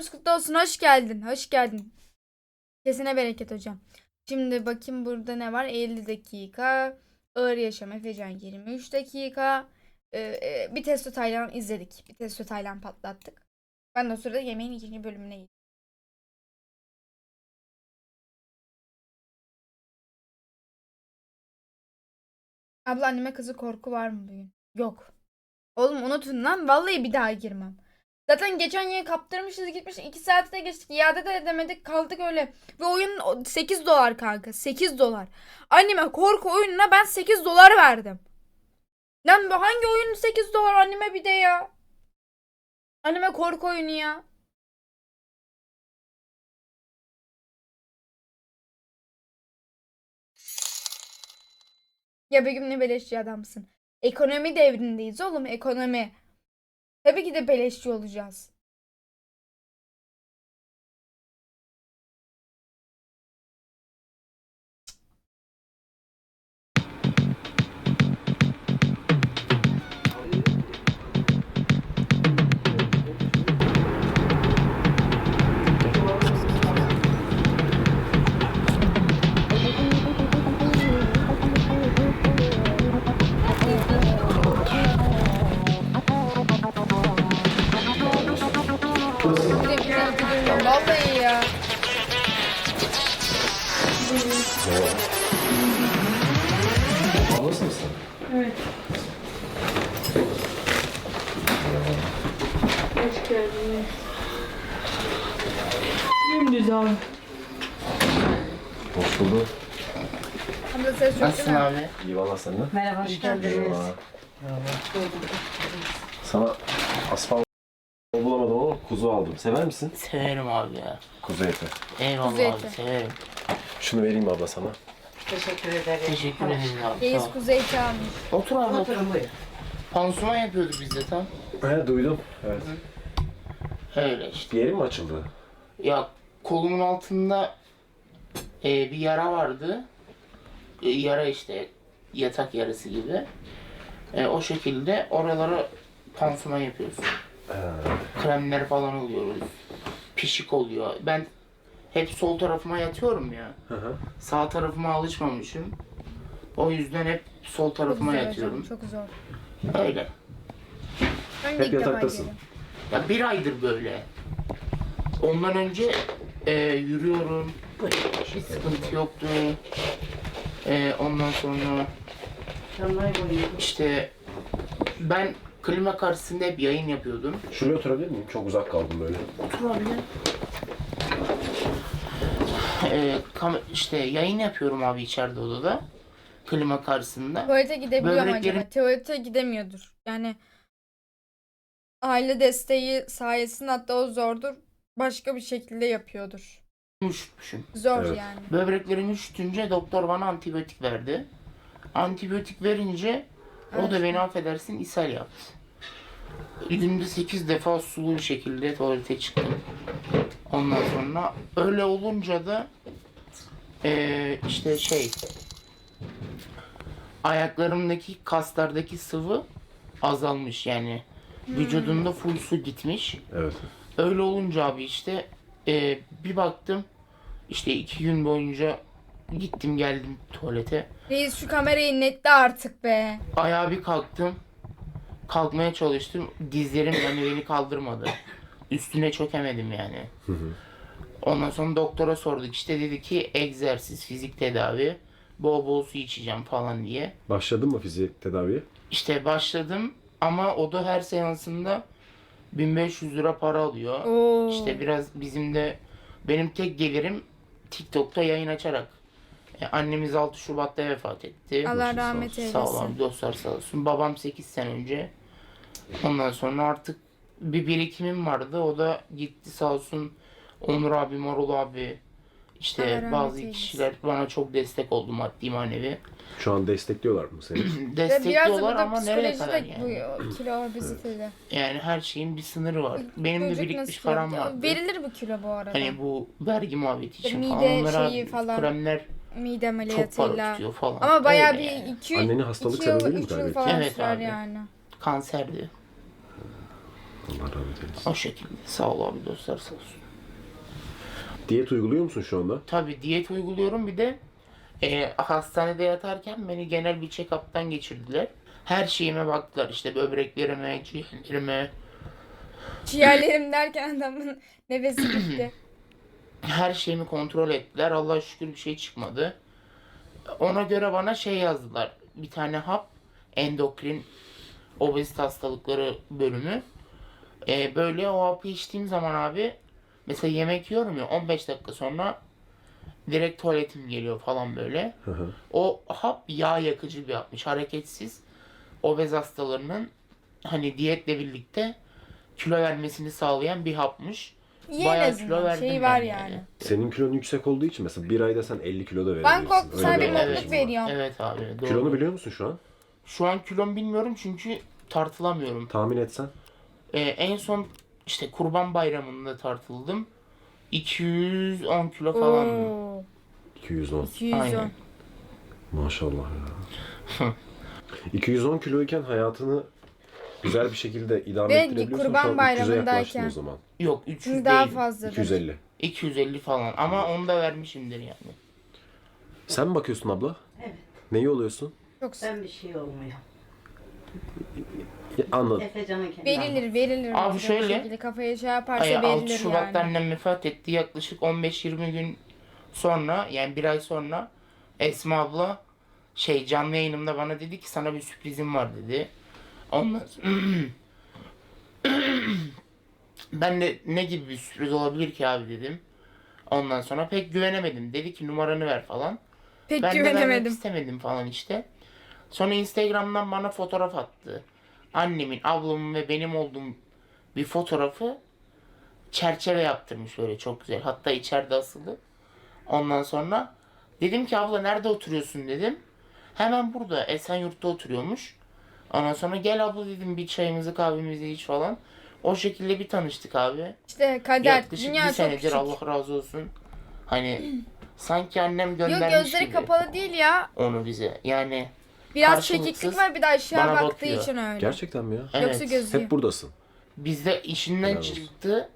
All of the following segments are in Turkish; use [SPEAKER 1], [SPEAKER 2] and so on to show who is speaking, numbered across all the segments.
[SPEAKER 1] Bayramınız kutlu olsun. Hoş geldin. Hoş geldin. Kesine bereket hocam. Şimdi bakayım burada ne var? 50 dakika. Ağır yaşam Efecan 23 dakika. Bir Testo Taylan izledik. Bir Testo Taylan patlattık. Ben de o sırada yemeğin ikinci bölümüne gittim. Abla anneme kızı korku var mı bugün? Yok. Oğlum unutun lan. Vallahi bir daha girmem. Zaten geçen yıl kaptırmışız gitmiş 2 saatte geçtik. İade de edemedik kaldık öyle. Ve oyun 8 dolar kanka. 8 dolar. Anneme korku oyununa ben 8 dolar verdim. Lan bu hangi oyun 8 dolar anneme bir de ya. Anneme korku oyunu ya. Ya Begüm ne beleşçi adamsın. Ekonomi devrindeyiz oğlum ekonomi. Tabii ki de beleşçi olacağız. Vallahi ya.
[SPEAKER 2] Ablası mısın?
[SPEAKER 3] Evet. Hoş geldiniz. Dümdüz abi.
[SPEAKER 2] Hoş bulduk.
[SPEAKER 1] Abla ses çok
[SPEAKER 4] Nasılsın
[SPEAKER 1] değil mi?
[SPEAKER 4] abi?
[SPEAKER 2] İyi valla sen de.
[SPEAKER 3] Merhaba, hoş geldiniz.
[SPEAKER 2] Merhaba. Sana asfalt bulamadım ama kuzu aldım. Sever misin?
[SPEAKER 4] Severim abi ya.
[SPEAKER 2] Kuzu eti.
[SPEAKER 4] Eyvallah
[SPEAKER 1] Kuzu
[SPEAKER 4] abi
[SPEAKER 1] eti.
[SPEAKER 4] severim.
[SPEAKER 2] Şunu vereyim abla sana.
[SPEAKER 3] Teşekkür ederim.
[SPEAKER 4] Teşekkür ederim abi.
[SPEAKER 1] Reis
[SPEAKER 4] Sağ ol.
[SPEAKER 1] kuzey çalmış.
[SPEAKER 4] Otur abi otur.
[SPEAKER 3] Oturun buyurun.
[SPEAKER 4] Pansuman yapıyorduk biz de tam.
[SPEAKER 2] He duydum. Evet.
[SPEAKER 4] Öyle işte.
[SPEAKER 2] Bir yerin mi açıldı?
[SPEAKER 4] Ya kolumun altında bir yara vardı. Yara işte yatak yarası gibi. O şekilde oralara pansuman yapıyoruz. Kremler falan oluyoruz. Pişik oluyor. Ben hep sol tarafıma yatıyorum ya.
[SPEAKER 2] Hı hı.
[SPEAKER 4] Sağ tarafıma alışmamışım. O yüzden hep sol
[SPEAKER 1] Çok
[SPEAKER 4] tarafıma
[SPEAKER 1] zor hocam,
[SPEAKER 4] yatıyorum.
[SPEAKER 1] çok zor.
[SPEAKER 4] Öyle.
[SPEAKER 1] Ben de
[SPEAKER 2] Hep
[SPEAKER 1] ilk defa
[SPEAKER 2] yataktasın.
[SPEAKER 1] geliyorum.
[SPEAKER 4] Ya bir aydır böyle. Ondan önce yürüyorum. Hiç sıkıntı yoktu. Ondan sonra işte ben klima karşısında hep yayın yapıyordum.
[SPEAKER 2] Şuraya oturabilir miyim? Çok uzak kaldım böyle.
[SPEAKER 4] Otur abi. İşte yayın yapıyorum abi içeride odada. Klima karşısında.
[SPEAKER 1] Tuvalete gidebiliyor mu
[SPEAKER 4] Böbreklerin-
[SPEAKER 1] acaba? Tuvalete gidemiyordur. Yani aile desteği sayesinde hatta o zordur. Başka bir şekilde yapıyordur.
[SPEAKER 4] Üşütmüşüm.
[SPEAKER 1] Zor
[SPEAKER 2] Evet.
[SPEAKER 1] yani.
[SPEAKER 4] Böbreklerim üşütünce doktor bana antibiyotik verdi. Antibiyotik verince o da
[SPEAKER 1] Evet.
[SPEAKER 4] beni affedersin ishal yaptı. Günde 8 defa sulu bir şekilde tuvalete çıktım. Ondan sonra öyle olunca da işte ayaklarımdaki kaslardaki sıvı azalmış yani. Vücudumda full su gitmiş.
[SPEAKER 2] Evet.
[SPEAKER 4] Öyle olunca abi işte bir baktım işte 2 gün boyunca gittim geldim tuvalete.
[SPEAKER 1] Reis şu kamerayı netle artık be.
[SPEAKER 4] Ayağa bir kalktım. Kalkmaya çalıştım. Dizlerim yani beni kaldırmadı. Üstüne çökemedim yani. Ondan sonra doktora sorduk. İşte dedi ki egzersiz, fizik tedavi. Bol bol su içeceğim falan diye.
[SPEAKER 2] Başladın mı fizik tedaviye?
[SPEAKER 4] İşte başladım ama o da her seansında 1500 lira para alıyor.
[SPEAKER 1] Oo.
[SPEAKER 4] İşte biraz bizim de benim tek gelirim TikTok'ta yayın açarak. Annemiz 6 Şubat'ta vefat etti.
[SPEAKER 1] Allah
[SPEAKER 2] Başın sağ
[SPEAKER 1] rahmet
[SPEAKER 2] olsun.
[SPEAKER 1] eylesin.
[SPEAKER 4] Sağ olun dostlar sağ olsun. Babam 8 sene önce. Ondan sonra artık bir birikimim vardı. O da gitti sağ olsun. Onur abi, Marul abi.
[SPEAKER 1] Allah
[SPEAKER 4] İşte
[SPEAKER 1] rahmet
[SPEAKER 4] bazı
[SPEAKER 1] eylesin.
[SPEAKER 4] kişiler bana çok destek oldu maddi manevi.
[SPEAKER 2] Şu an destekliyorlar mı seni?
[SPEAKER 1] Ve biraz da
[SPEAKER 4] Destekliyorlar
[SPEAKER 1] burada
[SPEAKER 4] ama nereye
[SPEAKER 1] psikoloji
[SPEAKER 4] kadar
[SPEAKER 1] de
[SPEAKER 4] yani?
[SPEAKER 1] bu kilo obezitede.
[SPEAKER 4] Yani her şeyin bir sınırı var. Benim de
[SPEAKER 1] Çocuk
[SPEAKER 4] birikmiş
[SPEAKER 1] nasıl
[SPEAKER 4] param
[SPEAKER 1] yaptı?
[SPEAKER 4] vardı.
[SPEAKER 1] Verilir bu kilo bu arada.
[SPEAKER 4] Hani bu vergi muhabbeti için
[SPEAKER 1] Mide
[SPEAKER 4] falan. Onlara
[SPEAKER 1] şeyi falan.
[SPEAKER 4] kremler
[SPEAKER 1] Mide
[SPEAKER 4] çok para
[SPEAKER 1] ameliyatıyla.
[SPEAKER 4] tutuyor falan.
[SPEAKER 1] Ama bayağı
[SPEAKER 4] Öyle
[SPEAKER 1] bir
[SPEAKER 4] yani.
[SPEAKER 1] 2
[SPEAKER 2] Anneni hastalık
[SPEAKER 1] yıl,
[SPEAKER 2] sebebiyle mi
[SPEAKER 1] 3 yıl
[SPEAKER 2] kaybetti?
[SPEAKER 1] falan
[SPEAKER 4] Evet
[SPEAKER 1] sürer
[SPEAKER 4] abi.
[SPEAKER 1] yani.
[SPEAKER 4] Kanserdi.
[SPEAKER 2] Allah rahmet eylesin.
[SPEAKER 4] O şekilde. Sağ ol abi, dostlar sağ olsun.
[SPEAKER 2] Diyet uyguluyor musun şu anda?
[SPEAKER 4] Tabii diyet uyguluyorum, bir de hastanede yatarken beni genel bir check-up'tan geçirdiler. Her şeyime baktılar, işte böbreklerime, ciğerlerime,
[SPEAKER 1] Ciğerlerim derken adamın nefesi gitti.
[SPEAKER 4] her şeyimi kontrol ettiler. Allah'a şükür bir şey çıkmadı. Ona göre bana şey yazdılar. Bir tane hap, endokrin obezite hastalıkları bölümü. Böyle o hapı içtiğim zaman abi, mesela yemek yiyorum ya, 15 dakika sonra direkt tuvaletim geliyor falan böyle.
[SPEAKER 2] Hı hı.
[SPEAKER 4] O hap yağ yakıcı bir hapmış. Hareketsiz obez hastalarının hani diyetle birlikte kilo vermesini sağlayan bir hapmış.
[SPEAKER 1] İyi en
[SPEAKER 4] Bayağı
[SPEAKER 1] azından.
[SPEAKER 4] kilo verdim
[SPEAKER 1] Şey
[SPEAKER 4] ben
[SPEAKER 1] var
[SPEAKER 4] yani.
[SPEAKER 1] yani.
[SPEAKER 2] Senin kilon yüksek olduğu için mesela bir ayda sen 50 kilo da verebilirsin.
[SPEAKER 1] Bangkok
[SPEAKER 2] Öyle
[SPEAKER 1] sana bir
[SPEAKER 2] avantajın
[SPEAKER 1] mutluluk
[SPEAKER 2] var.
[SPEAKER 1] veriyor.
[SPEAKER 4] Evet abi, doğru.
[SPEAKER 2] Kilonu biliyor musun şu an?
[SPEAKER 4] Şu an kilom bilmiyorum çünkü tartılamıyorum.
[SPEAKER 2] Tahmin etsen.
[SPEAKER 4] En son işte Kurban Bayramı'nda tartıldım. 210 kilo falan.
[SPEAKER 1] Oo,
[SPEAKER 2] 210.
[SPEAKER 1] 210.
[SPEAKER 4] Aynen.
[SPEAKER 2] Maşallah ya. 210 kiloyken hayatını güzel bir şekilde idame
[SPEAKER 1] Ve
[SPEAKER 2] ettirebiliyorsan
[SPEAKER 1] Kurban
[SPEAKER 2] şu an 300'e yaklaştın
[SPEAKER 1] Bayramındayken-
[SPEAKER 2] o zaman.
[SPEAKER 4] Yok 300
[SPEAKER 1] Şimdi daha
[SPEAKER 4] değil.
[SPEAKER 1] fazladır.
[SPEAKER 2] 250.
[SPEAKER 4] 250 falan ama onu da vermişimdir yani.
[SPEAKER 2] Sen mi bakıyorsun abla?
[SPEAKER 3] Evet.
[SPEAKER 2] Neyi oluyorsun?
[SPEAKER 1] Çok sık.
[SPEAKER 3] Ben bir şey olmuyor.
[SPEAKER 2] Anladım.
[SPEAKER 3] Efecan'ın kendi
[SPEAKER 1] Verilir.
[SPEAKER 4] Abi
[SPEAKER 1] bir
[SPEAKER 4] şöyle,
[SPEAKER 1] şekilde kafaya şey yaparsa
[SPEAKER 4] 6
[SPEAKER 1] verilir
[SPEAKER 4] Şubat'ta
[SPEAKER 1] yani.
[SPEAKER 4] annem vefat etti. Yaklaşık 15-20 gün sonra, yani bir ay sonra Esma abla canlı yayınımda bana dedi ki sana bir sürprizim var dedi. Ondan sonra ben de ne gibi bir sürpriz olabilir ki abi dedim. Ondan sonra pek güvenemedim. Dedi ki numaranı ver falan.
[SPEAKER 1] Pek
[SPEAKER 4] Ben de vermek
[SPEAKER 1] güvenemedim.
[SPEAKER 4] istemedim falan işte. Sonra Instagram'dan bana fotoğraf attı. Annemin, ablamın ve benim olduğum bir fotoğrafı çerçeve yaptırmış böyle çok güzel. Hatta içeride asılı. Ondan sonra dedim ki abla nerede oturuyorsun dedim. Hemen burada Esenyurt'ta oturuyormuş. Ondan sonra gel abla dedim, bir çayımızı kahvemizi iç falan. O şekilde bir tanıştık abi.
[SPEAKER 1] İşte kader.
[SPEAKER 4] Yaklaşık
[SPEAKER 1] Dünya
[SPEAKER 4] bir
[SPEAKER 1] çok
[SPEAKER 4] senedir,
[SPEAKER 1] küçük.
[SPEAKER 4] Allah razı olsun. Hani sanki annem
[SPEAKER 1] Yok,
[SPEAKER 4] göndermiş
[SPEAKER 1] gözleri
[SPEAKER 4] gibi
[SPEAKER 1] kapalı değil ya.
[SPEAKER 4] onu bize. Yani
[SPEAKER 1] Biraz
[SPEAKER 4] Karşılıksız
[SPEAKER 1] çekiklik var, bir de aşağı
[SPEAKER 4] bana
[SPEAKER 1] baktığı
[SPEAKER 4] bakıyor.
[SPEAKER 1] için öyle.
[SPEAKER 2] Gerçekten mi ya?
[SPEAKER 4] evet.
[SPEAKER 1] Yoksa gözü
[SPEAKER 2] Hep buradasın.
[SPEAKER 4] Bizde işinden
[SPEAKER 2] Helal olsun.
[SPEAKER 4] çıktı.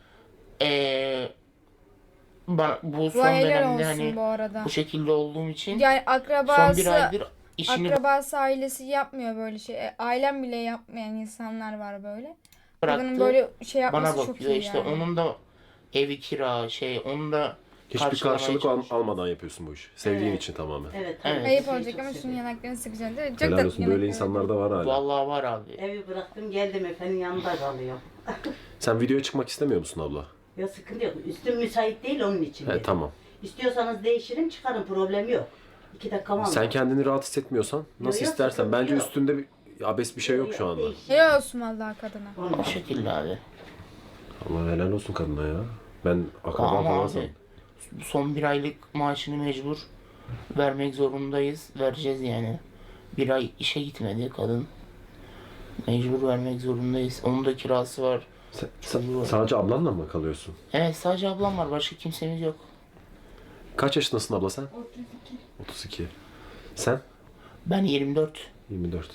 [SPEAKER 4] Bu son
[SPEAKER 1] Bu helal
[SPEAKER 4] dönemde
[SPEAKER 1] olsun
[SPEAKER 4] hani
[SPEAKER 1] bu arada.
[SPEAKER 4] bu şekilde olduğum için
[SPEAKER 1] Yani
[SPEAKER 4] son bir aydır işini
[SPEAKER 1] akrabası ailesi yapmıyor böyle şey. Ailem bile yapmayan insanlar var böyle. Kadının
[SPEAKER 4] bıraktı.
[SPEAKER 1] böyle şey yapması
[SPEAKER 4] Bana
[SPEAKER 1] çok
[SPEAKER 4] bakıyor.
[SPEAKER 1] iyi
[SPEAKER 4] İşte
[SPEAKER 1] yani.
[SPEAKER 4] onun da evi kira onun da
[SPEAKER 2] Hiçbir
[SPEAKER 4] karşılamaya
[SPEAKER 2] karşılık
[SPEAKER 4] çalışıyor.
[SPEAKER 2] almadan yapıyorsun bu işi. Sevdiğin
[SPEAKER 3] Evet.
[SPEAKER 2] için tamamen.
[SPEAKER 3] Evet.
[SPEAKER 4] Evet.
[SPEAKER 3] tabii.
[SPEAKER 1] Ayıp
[SPEAKER 3] Şeyi
[SPEAKER 1] olacak
[SPEAKER 3] çok
[SPEAKER 1] ama şunun
[SPEAKER 3] seviyorum.
[SPEAKER 1] yanaklarını sıkacaksın. Çok
[SPEAKER 2] Helal
[SPEAKER 1] tatlı
[SPEAKER 2] olsun. Böyle
[SPEAKER 1] yanakları.
[SPEAKER 2] insanlar da var hala.
[SPEAKER 4] Vallahi var abi.
[SPEAKER 3] Evi bıraktım geldim efendim yanında kalıyorum.
[SPEAKER 2] Sen videoya çıkmak istemiyor musun abla?
[SPEAKER 3] Ya sıkıntı yok. Üstüm müsait değil onun için. dedim.
[SPEAKER 2] Tamam.
[SPEAKER 3] İstiyorsanız değişirim çıkarın, problem yok. 2 dakika var.
[SPEAKER 2] Sen kendini rahat hissetmiyorsan nasıl
[SPEAKER 3] yok,
[SPEAKER 2] istersen.
[SPEAKER 3] sıkıntı
[SPEAKER 2] Bence
[SPEAKER 3] yok.
[SPEAKER 2] üstünde bir abes bir şey yok şu anda.
[SPEAKER 1] Helal olsun vallahi kadına.
[SPEAKER 4] O şekilde abi.
[SPEAKER 2] Allah helal olsun kadına ya. Ben akraba
[SPEAKER 4] Ama
[SPEAKER 2] falan
[SPEAKER 4] abi
[SPEAKER 2] sandım.
[SPEAKER 4] son bir aylık maaşını mecbur vermek zorundayız. Vereceğiz yani. Bir ay işe gitmedi kadın. Mecbur vermek zorundayız. Onun da kirası var.
[SPEAKER 2] Sadece ablanla mı kalıyorsun?
[SPEAKER 4] Evet, sadece ablam var. Başka kimsemiz yok.
[SPEAKER 2] Kaç yaşındasın abla sen? 32. Sen?
[SPEAKER 4] Ben 24.
[SPEAKER 2] 24.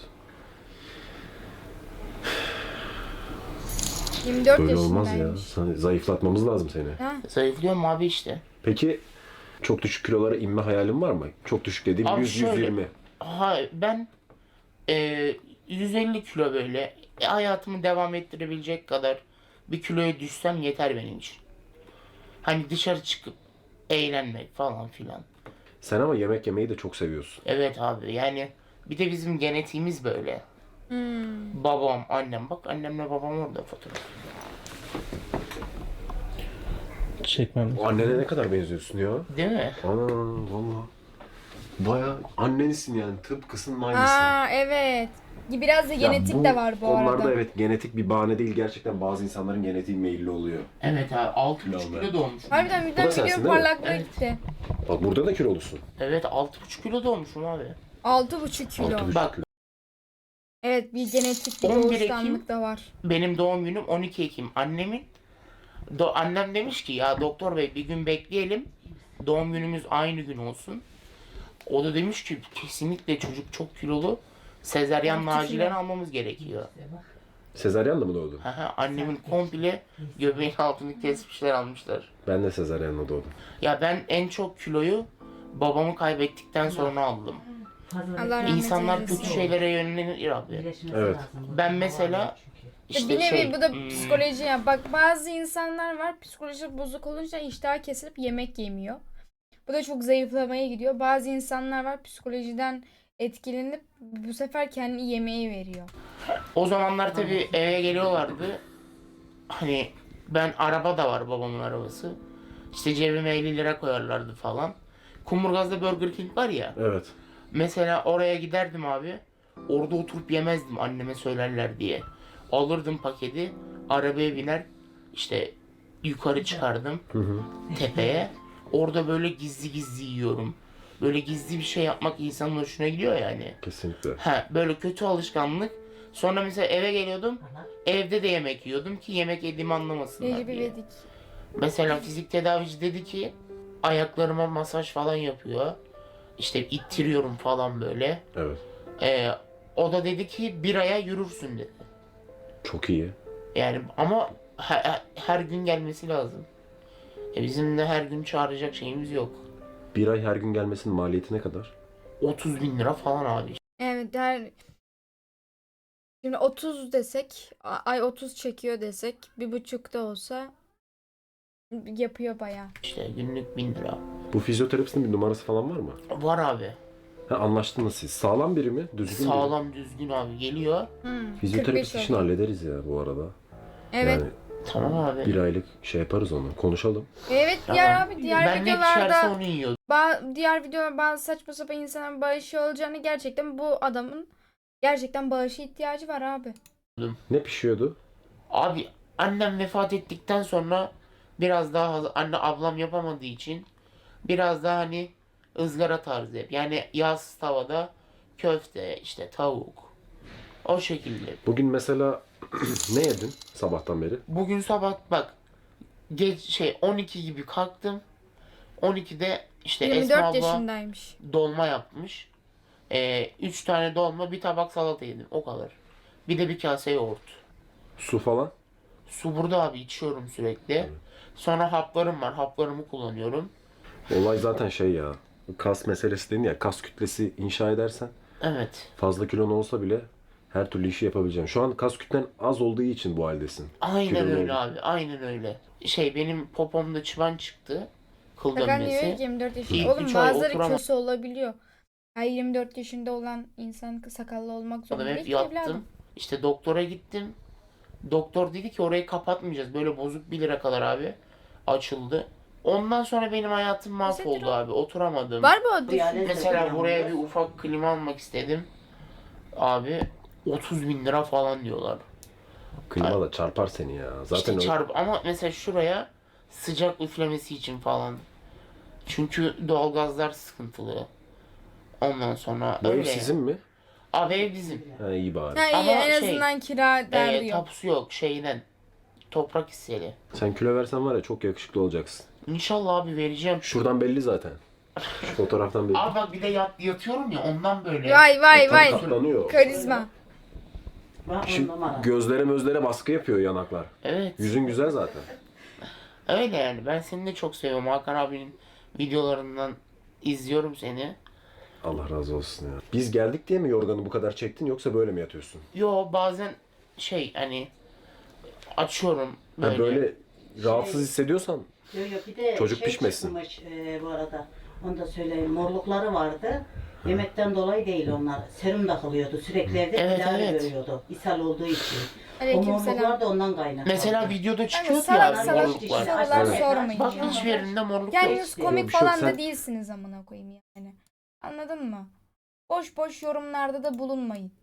[SPEAKER 1] 24
[SPEAKER 2] Böyle olmaz ya.
[SPEAKER 1] yaşındaymış.
[SPEAKER 2] Zayıflatmamız lazım seni.
[SPEAKER 1] Ha?
[SPEAKER 4] Zayıflıyorum abi işte.
[SPEAKER 2] Peki çok düşük kilolara inme hayalin var mı? Çok düşük dediğim
[SPEAKER 4] Abi
[SPEAKER 2] 100-120.
[SPEAKER 4] Ben 150 kilo böyle hayatımı devam ettirebilecek kadar bir kiloya düşsem yeter benim için. Hani dışarı çıkıp eğlenmek falan filan.
[SPEAKER 2] Sen ama yemek yemeyi de çok seviyorsun.
[SPEAKER 4] Evet abi, yani bir de bizim genetiğimiz böyle. Babam, annem, bak annemle babam orada fotoğraf.
[SPEAKER 5] Çekmem.
[SPEAKER 2] Annene ne kadar benziyorsun ya?
[SPEAKER 4] Değil mi?
[SPEAKER 2] Ana valla. Baya annenisin yani. Tıpkısının aynısı.
[SPEAKER 1] Aa evet. Biraz da
[SPEAKER 2] Ya
[SPEAKER 1] genetik de var bu
[SPEAKER 2] konularda
[SPEAKER 1] arada.
[SPEAKER 2] evet genetik bir bahane değil. Gerçekten bazı insanların genetiği meyilli oluyor.
[SPEAKER 4] Evet abi, 6,5
[SPEAKER 2] Kilo
[SPEAKER 4] kilo doğmuş.
[SPEAKER 1] Harbiden
[SPEAKER 2] Bu da
[SPEAKER 1] birden
[SPEAKER 2] sensin
[SPEAKER 1] video
[SPEAKER 2] değil mi?
[SPEAKER 1] parlaklığı
[SPEAKER 4] Evet.
[SPEAKER 1] gitti.
[SPEAKER 2] Bak burada da kilolusun.
[SPEAKER 4] Evet, 6,5 kilo doğmuşum abi.
[SPEAKER 1] 6,5 kilo.
[SPEAKER 2] 6,5
[SPEAKER 4] Bak.
[SPEAKER 2] kilo.
[SPEAKER 1] Evet, bir genetik bir
[SPEAKER 4] 11
[SPEAKER 1] doğuştanlık da var.
[SPEAKER 4] Benim doğum günüm 12 Ekim. Annem demiş ki ya doktor bey bir gün bekleyelim. Doğum günümüz aynı gün olsun. O da demiş ki kesinlikle çocuk çok kilolu. Sezaryenle
[SPEAKER 1] 6 kilo.
[SPEAKER 4] acilen almamız gerekiyor.
[SPEAKER 2] Sezaryenle mi doğdun?
[SPEAKER 4] Haha, annemin komple göbeğin altını kesmişler, almışlar.
[SPEAKER 2] Ben de sezaryenle doğdum.
[SPEAKER 4] Ya ben en çok kiloyu babamı kaybettikten sonra aldım.
[SPEAKER 1] Allah rahmet
[SPEAKER 4] İnsanlar
[SPEAKER 1] eylesin.
[SPEAKER 4] kötü şeylere yönlenir abi.
[SPEAKER 3] Birleşmesi
[SPEAKER 2] Evet.
[SPEAKER 3] lazım.
[SPEAKER 4] Ben mesela işte
[SPEAKER 1] bir nevi bu da
[SPEAKER 4] hmm,
[SPEAKER 1] psikoloji ya. Bak bazı insanlar var psikoloji bozuk olunca iştah kesilip yemek yemiyor. Bu da çok zayıflamaya gidiyor. Bazı insanlar var psikolojiden etkilenip bu sefer kendi yemeği veriyor.
[SPEAKER 4] o zamanlar tabii eve geliyorlardı. Hani ben, araba da var, babamın arabası. İşte cebime 50 lira koyarlardı falan. Kumburgaz'da Burger King var ya.
[SPEAKER 2] Evet.
[SPEAKER 4] Mesela oraya giderdim abi. Orada oturup yemezdim, anneme söylerler diye. Alırdım paketi, arabaya biner, işte yukarı çıkardım tepeye. Orada böyle gizli gizli yiyorum. Böyle gizli bir şey yapmak insanın hoşuna gidiyor yani.
[SPEAKER 2] Kesinlikle.
[SPEAKER 4] Böyle kötü alışkanlık. Sonra mesela eve geliyordum. Evde de yemek yiyordum ki yemek yediğimi anlamasınlar
[SPEAKER 1] Necip
[SPEAKER 4] diye.
[SPEAKER 1] İvedik.
[SPEAKER 4] Mesela fizik tedavici dedi ki ayaklarıma masaj falan yapıyor. İşte ittiriyorum falan böyle.
[SPEAKER 2] Evet.
[SPEAKER 4] O da dedi ki bir aya yürürsün dedi.
[SPEAKER 2] Çok iyi.
[SPEAKER 4] Yani ama her gün gelmesi lazım. Bizim de her gün çağıracak şeyimiz yok.
[SPEAKER 2] Bir ay her gün gelmesinin maliyeti ne kadar?
[SPEAKER 4] 30 bin lira falan abi.
[SPEAKER 1] Evet şimdi 30 desek ay 30 çekiyor desek 1,5 da olsa yapıyor bayağı.
[SPEAKER 4] İşte günlük 1000 lira.
[SPEAKER 2] Bu fizyoterapistin bir numarası falan var mı?
[SPEAKER 4] Var abi.
[SPEAKER 2] Ha, anlaştınız siz. Sağlam biri mi? Düzgün biri mi?
[SPEAKER 4] Sağlam düzgün abi geliyor.
[SPEAKER 2] Fizyoterapist
[SPEAKER 1] 45
[SPEAKER 2] işini
[SPEAKER 1] oluyor.
[SPEAKER 2] hallederiz ya bu arada.
[SPEAKER 1] Evet.
[SPEAKER 2] Yani
[SPEAKER 4] Tamam abi.
[SPEAKER 2] bir aylık şey yaparız onu. Konuşalım.
[SPEAKER 1] Evet
[SPEAKER 4] Tamam.
[SPEAKER 1] diğer
[SPEAKER 4] Ben ne düşerse
[SPEAKER 1] videolarda
[SPEAKER 4] onu yiyor.
[SPEAKER 1] diğer videolar bazı saçma sapan insanların bağışı olacağını gerçekten bu adamın gerçekten bağışı ihtiyacı var abi.
[SPEAKER 2] Ne pişiyordu?
[SPEAKER 4] Abi annem vefat ettikten sonra biraz daha anne ablam yapamadığı için biraz daha hani ızgara tarzı hep. Yani yağsız tavada köfte, işte tavuk. O şekilde.
[SPEAKER 2] Bugün mesela ne yedin sabahtan beri?
[SPEAKER 4] Bugün sabah bak geç 12 gibi kalktım. 12'de işte Esma
[SPEAKER 1] 24
[SPEAKER 4] abla
[SPEAKER 1] yaşındaymış.
[SPEAKER 4] dolma yapmış. 3 tane dolma, bir tabak salata yedim. O kadar. Bir de bir kase yoğurt.
[SPEAKER 2] Su falan?
[SPEAKER 4] Su burada abi, içiyorum sürekli. Sonra haplarım var. Haplarımı kullanıyorum.
[SPEAKER 2] Olay zaten şey ya. Kas meselesi dedin ya. Kas kütlesi inşa edersen
[SPEAKER 4] Evet.
[SPEAKER 2] fazla kilon olsa bile her türlü işi yapabileceksin. Şu an kas kütlen az olduğu için bu haldesin.
[SPEAKER 4] Aynen
[SPEAKER 2] Kilolu
[SPEAKER 4] öyle
[SPEAKER 2] oldun.
[SPEAKER 4] abi. Aynen öyle. Benim popomda çıban çıktı. Kıl
[SPEAKER 1] Hakan diyor ki
[SPEAKER 4] dönmesi.
[SPEAKER 1] 24 yaşında.
[SPEAKER 4] İlk
[SPEAKER 1] Oğlum
[SPEAKER 4] 3 ay
[SPEAKER 1] bazıları
[SPEAKER 4] oturamam-
[SPEAKER 1] köse olabiliyor. Her 24 yaşında olan insan sakallı olmak zorunda
[SPEAKER 4] Hep
[SPEAKER 1] değil ki
[SPEAKER 4] yattım.
[SPEAKER 1] evladım.
[SPEAKER 4] İşte doktora gittim. Doktor dedi ki orayı kapatmayacağız. Böyle bozuk 1 lira kadar abi. Açıldı. Ondan sonra benim hayatım mahvoldu
[SPEAKER 1] o.
[SPEAKER 4] abi. Oturamadım.
[SPEAKER 1] Var mı o
[SPEAKER 3] Bu yani-
[SPEAKER 1] düşün?
[SPEAKER 4] Mesela buraya bir ufak klima almak istedim. Abi 30 bin lira falan diyorlar.
[SPEAKER 2] Klima da çarpar seni ya. Zaten
[SPEAKER 4] İşte ama mesela şuraya sıcak üflemesi için falan. Çünkü doğalgazlar sıkıntılı. Ondan sonra
[SPEAKER 2] bu ev
[SPEAKER 4] öyle.
[SPEAKER 2] sizin mi?
[SPEAKER 4] Abi ev bizim.
[SPEAKER 2] Ha, iyi bari.
[SPEAKER 1] Ha, iyi,
[SPEAKER 4] Ama
[SPEAKER 1] en azından kira derdi yok.
[SPEAKER 4] Tapusu yok şeyden. Toprak hisseli.
[SPEAKER 2] Sen kilo versen var ya çok yakışıklı olacaksın.
[SPEAKER 4] İnşallah abi vereceğim.
[SPEAKER 2] Şuradan belli zaten. Şu fotoğraftan belli.
[SPEAKER 4] Abi bak bir de yatıyorum ya ondan böyle.
[SPEAKER 1] Vay
[SPEAKER 2] Tam katlanıyor.
[SPEAKER 1] Karizma.
[SPEAKER 3] Bak on
[SPEAKER 2] Şimdi
[SPEAKER 3] numara.
[SPEAKER 2] gözlere baskı yapıyor yanaklar.
[SPEAKER 4] Evet.
[SPEAKER 2] Yüzün güzel zaten.
[SPEAKER 4] Öyle yani. Ben seni de çok seviyorum. Hakan abinin videolarından izliyorum seni.
[SPEAKER 2] Allah razı olsun ya. Biz geldik diye mi yorganı bu kadar çektin yoksa böyle mi yatıyorsun?
[SPEAKER 4] Yo bazen hani açıyorum böyle.
[SPEAKER 2] Ha, böyle rahatsız hissediyorsan
[SPEAKER 3] Yok yok bir de
[SPEAKER 2] Çocuk
[SPEAKER 3] şey
[SPEAKER 2] pişmesin.
[SPEAKER 3] çıkmış bu arada. Onu da söyleyeyim. Morlukları vardı. Yemekten dolayı değil onlar. Serum takılıyordu. Sürekli evde
[SPEAKER 4] Evet,
[SPEAKER 3] tedavi
[SPEAKER 4] evet.
[SPEAKER 3] görüyordu. İshal olduğu için. O
[SPEAKER 1] Aleykümselam.
[SPEAKER 3] morluklar da ondan kaynaklı.
[SPEAKER 4] Mesela videoda çıkıyor
[SPEAKER 1] salak
[SPEAKER 4] ya
[SPEAKER 1] salak
[SPEAKER 4] morluklar.
[SPEAKER 1] sorular
[SPEAKER 2] Evet.
[SPEAKER 1] sormayın.
[SPEAKER 4] Bak
[SPEAKER 1] ya.
[SPEAKER 4] hiçbir yerinde morluk
[SPEAKER 1] Kendiniz
[SPEAKER 4] yok.
[SPEAKER 1] komik
[SPEAKER 2] bir şey yok.
[SPEAKER 1] falan da
[SPEAKER 2] Sen-
[SPEAKER 1] değilsiniz amına koyayım yani. Anladın mı? Boş boş yorumlarda da bulunmayın.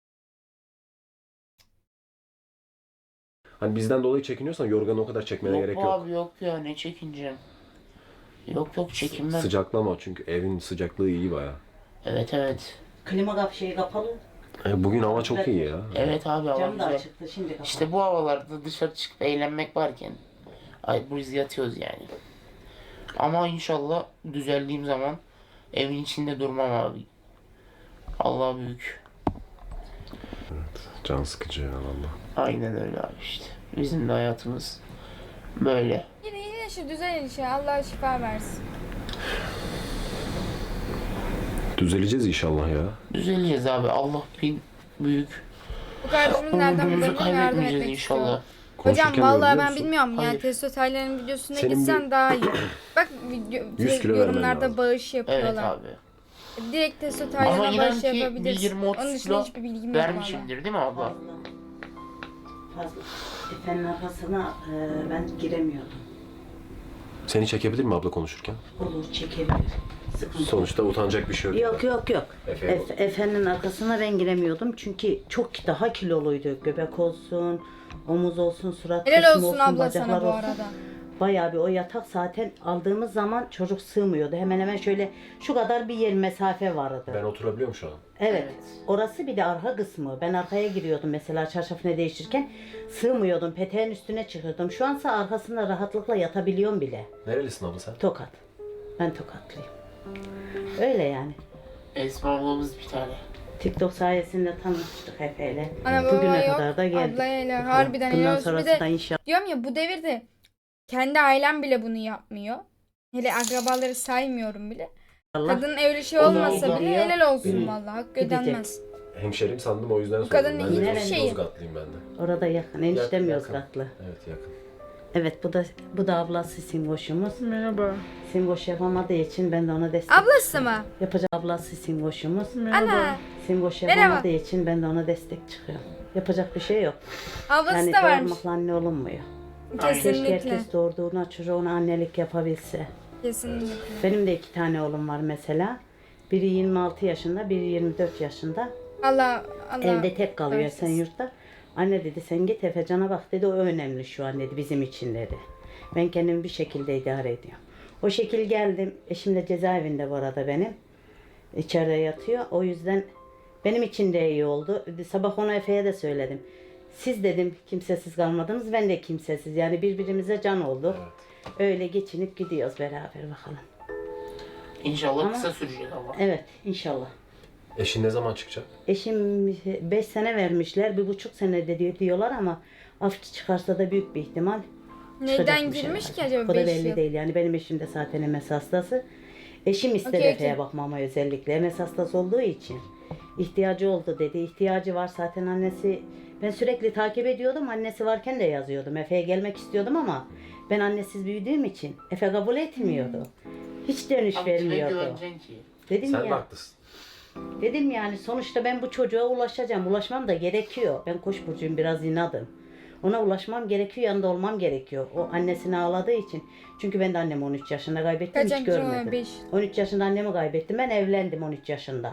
[SPEAKER 2] hani bizden dolayı çekiniyorsan yorganı o kadar çekmene
[SPEAKER 4] Yok
[SPEAKER 2] gerek
[SPEAKER 4] bu
[SPEAKER 2] yok.
[SPEAKER 4] abi yok ya, ne çekineceğim. Yok çekinmem.
[SPEAKER 2] Sıcaklama çünkü evin sıcaklığı iyi baya.
[SPEAKER 4] Evet.
[SPEAKER 3] Klima şeyi kapalı.
[SPEAKER 2] Bugün hava çok iyi ya.
[SPEAKER 4] Evet abi hava
[SPEAKER 3] Cam da
[SPEAKER 4] güzel.
[SPEAKER 3] açıktı. Şimdi kapalı.
[SPEAKER 4] İşte bu havalarda dışarı çıkıp eğlenmek varken biz yatıyoruz yani. Ama inşallah düzeldiğim zaman evin içinde durmam abi. Allah büyük.
[SPEAKER 2] Can sıkıcı ya valla.
[SPEAKER 4] Aynen öyle abi işte. Bizim de hayatımız böyle.
[SPEAKER 1] Yine şu düzel işe Allah şifa versin.
[SPEAKER 2] Düzeleceğiz inşallah ya.
[SPEAKER 4] Düzeleceğiz abi. Allah büyük.
[SPEAKER 1] Bu kardeşimiz nereden
[SPEAKER 4] Umudumuzu
[SPEAKER 1] bulduğunu yardım
[SPEAKER 4] kaybetmeyeceğiz
[SPEAKER 1] etmek
[SPEAKER 4] inşallah.
[SPEAKER 1] istiyor. Hocam
[SPEAKER 2] Konuşurken
[SPEAKER 1] vallahi
[SPEAKER 2] biliyor
[SPEAKER 1] ben
[SPEAKER 2] musun?
[SPEAKER 1] bilmiyorum yani
[SPEAKER 4] Hayır.
[SPEAKER 1] Testo Taylan'ın videosuna
[SPEAKER 2] Senin
[SPEAKER 1] gitsen
[SPEAKER 2] bir-
[SPEAKER 1] daha iyi. Bak
[SPEAKER 2] 100 kilo vermen
[SPEAKER 1] yorumlarda
[SPEAKER 2] lazım.
[SPEAKER 1] bağış yapıyorlar.
[SPEAKER 4] Evet abi.
[SPEAKER 1] Direkt Testo
[SPEAKER 4] Ama
[SPEAKER 1] Taylan'a
[SPEAKER 4] inan
[SPEAKER 1] bağış
[SPEAKER 4] ki bir
[SPEAKER 1] yapabilirsin.
[SPEAKER 4] 20-30
[SPEAKER 1] Onun dışında
[SPEAKER 4] kilo
[SPEAKER 1] hiçbir bilgim yok valla.
[SPEAKER 4] vermişimdir değil mi abla?
[SPEAKER 3] Fazla. Fazla. Efe'nin arkasına ben giremiyordum.
[SPEAKER 2] Seni çekebilir mi abla konuşurken?
[SPEAKER 3] Olur, çekebilir. Sıkıntı yok.
[SPEAKER 2] Sonuçta utanacak bir şey yok.
[SPEAKER 3] Yok.
[SPEAKER 2] Efe'ye
[SPEAKER 3] Efe'nin arkasına ben giremiyordum çünkü çok daha kiloluydu. Göbek olsun, omuz olsun, surat
[SPEAKER 1] Helal
[SPEAKER 3] kısmı
[SPEAKER 1] olsun
[SPEAKER 3] olsun,
[SPEAKER 1] abla sana
[SPEAKER 3] bacaklar
[SPEAKER 1] bu
[SPEAKER 3] olsun.
[SPEAKER 1] arada.
[SPEAKER 3] Bayağı bir o yatak zaten aldığımız zaman çocuk sığmıyordu. Hemen hemen şöyle şu kadar bir yer mesafe vardı.
[SPEAKER 2] Ben oturabiliyorum şu an.
[SPEAKER 3] Evet.
[SPEAKER 4] Evet.
[SPEAKER 3] Orası bir de arka kısmı. Ben arkaya giriyordum mesela çarşafını değiştirirken. Sığmıyordum. Peteğin üstüne çıkıyordum. Şu ansa arkasında rahatlıkla yatabiliyorum bile.
[SPEAKER 2] Nerelisin abla sen?
[SPEAKER 3] Tokat. Ben Tokatlıyım. Öyle yani.
[SPEAKER 4] Esma ablamız bir tane.
[SPEAKER 3] TikTok sayesinde tanıştık Efe'yle.
[SPEAKER 1] Ana baba
[SPEAKER 3] Bugüne
[SPEAKER 1] yok.
[SPEAKER 3] kadar da geldik.
[SPEAKER 1] Ablayla
[SPEAKER 3] Bakalım.
[SPEAKER 1] harbiden
[SPEAKER 3] Bundan
[SPEAKER 1] helal olsun.
[SPEAKER 3] sonrası
[SPEAKER 1] Bir de
[SPEAKER 3] da inşallah.
[SPEAKER 1] diyorum ya bu devirde kendi ailem bile bunu yapmıyor. Hele akrabaları saymıyorum bile. Kadının öyle şey
[SPEAKER 3] O da
[SPEAKER 1] olmasa bile
[SPEAKER 3] gidiyor.
[SPEAKER 1] helal olsun vallahi. Hakkı
[SPEAKER 3] Gidecek.
[SPEAKER 1] ödenmez.
[SPEAKER 2] Hemşerim sandım o yüzden
[SPEAKER 1] kadın
[SPEAKER 2] sordum. Ben de
[SPEAKER 3] hiçbir
[SPEAKER 1] şey-
[SPEAKER 2] Yozgatlıyım ben de.
[SPEAKER 3] Orada yakın. Eniştem
[SPEAKER 2] Yakın.
[SPEAKER 3] Yozgatlı.
[SPEAKER 2] Evet yakın.
[SPEAKER 3] Evet bu da ablası Simboş'umuz.
[SPEAKER 1] Merhaba.
[SPEAKER 3] Simboş yapamadığı için ben de ona destek
[SPEAKER 1] Ablası mı?
[SPEAKER 3] yapacağım. Ablası Simboş'umuz.
[SPEAKER 1] Ana.
[SPEAKER 3] Simboş
[SPEAKER 1] Merhaba.
[SPEAKER 3] yapamadığı için ben de ona destek çıkıyorum. Yapacak bir şey yok.
[SPEAKER 1] Ablası
[SPEAKER 3] Yani
[SPEAKER 1] da varmış.
[SPEAKER 3] doğurmakla anne olunmuyor. Keşke
[SPEAKER 1] Kesinlikle.
[SPEAKER 3] herkes doğurduğuna çocuğuna annelik yapabilse.
[SPEAKER 1] Kesinlikle.
[SPEAKER 3] Benim de 2 tane oğlum var mesela. Biri 26 yaşında, biri 24 yaşında.
[SPEAKER 1] Allah
[SPEAKER 3] Evde tek kalıyor
[SPEAKER 1] bağışlasın.
[SPEAKER 3] sen yurtta. Anne dedi sen git Efecan'a bak dedi o önemli şu an dedi bizim için dedi. Ben kendimi bir şekilde idare ediyorum. O şekil geldim. Eşim de cezaevinde bu arada benim. İçeride yatıyor. O yüzden benim için de iyi oldu. Sabah ona Efe'ye de söyledim. Siz dedim kimsesiz kalmadınız. Ben de kimsesiz. Yani birbirimize can olduk. Öyle geçinip gidiyoruz beraber bakalım.
[SPEAKER 4] İnşallah
[SPEAKER 3] Ama-
[SPEAKER 4] kısa sürecek ama.
[SPEAKER 3] Evet inşallah.
[SPEAKER 2] Eşin ne zaman çıkacak?
[SPEAKER 3] Eşim 5 sene vermişler. 1,5 sene de diyorlar ama af çıkarsa da büyük bir ihtimal
[SPEAKER 1] Neden
[SPEAKER 3] çıkacakmış
[SPEAKER 1] girmiş
[SPEAKER 3] herhalde.
[SPEAKER 1] ki acaba
[SPEAKER 3] Bu da
[SPEAKER 1] 5
[SPEAKER 3] belli
[SPEAKER 1] yıl?
[SPEAKER 3] değil. Yani benim eşim de zaten MS hastası. Eşim istedi
[SPEAKER 1] Okey,
[SPEAKER 3] Efe'ye
[SPEAKER 1] okey.
[SPEAKER 3] bakmama özellikle. MS hastası olduğu için. İhtiyacı oldu dedi. İhtiyacı var zaten annesi. Ben sürekli takip ediyordum. Annesi varken de yazıyordum. Efe'ye gelmek istiyordum ama ben annesiz büyüdüğüm için Efe kabul etmiyordu. Hiç dönüş
[SPEAKER 4] Abi kime
[SPEAKER 3] vermiyordu.
[SPEAKER 4] güveneceksin ki?
[SPEAKER 3] Dedim
[SPEAKER 2] Sen de
[SPEAKER 3] ya.
[SPEAKER 2] haklısın.
[SPEAKER 3] Dedim yani sonuçta ben bu çocuğa ulaşacağım. Ulaşmam da gerekiyor. Ben Koç burcuyum biraz inadım. Ona ulaşmam gerekiyor, yanında olmam gerekiyor. O annesini ağladığı için. Çünkü ben de annemi 13 yaşında kaybettim,
[SPEAKER 1] Kaç
[SPEAKER 3] hiç
[SPEAKER 1] yaşında?
[SPEAKER 3] görmedim.
[SPEAKER 1] 5.
[SPEAKER 3] 13 yaşında annemi kaybettim, ben evlendim 13 yaşında.